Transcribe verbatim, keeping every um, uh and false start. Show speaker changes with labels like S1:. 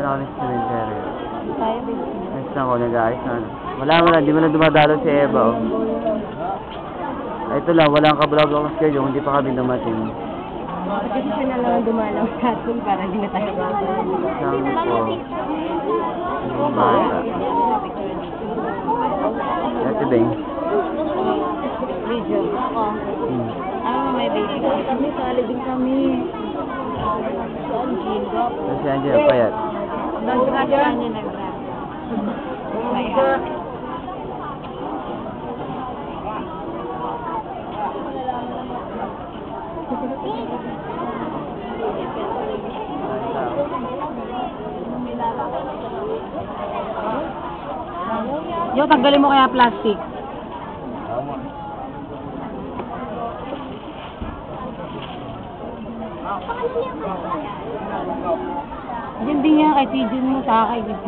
S1: na kami sa cemetery.
S2: Tayo, baby.
S1: Next na ako, nag-aayos na. ano. Wala mo na, di mo na dumadalo si Eva, oh. Ay, ito lang, walang kablog ako schedule, hindi pa kami dumating.
S2: Kasi siya na lang ang dumalaw sa atin para hindi na tayo babalik.
S1: Sabi ko, yung bata. Ito ba yun?
S2: Video. Ako.
S1: Hmm.
S2: Ano na may baby? Kami, sali din kami. Saan, Gildo?
S1: Kasi andyan, payat.
S2: Nag-grad ka niya, nag-grad. Kaya. Yo, tanggalin mo kaya plastic. Diyan din yan kay Tijun mo sa akin.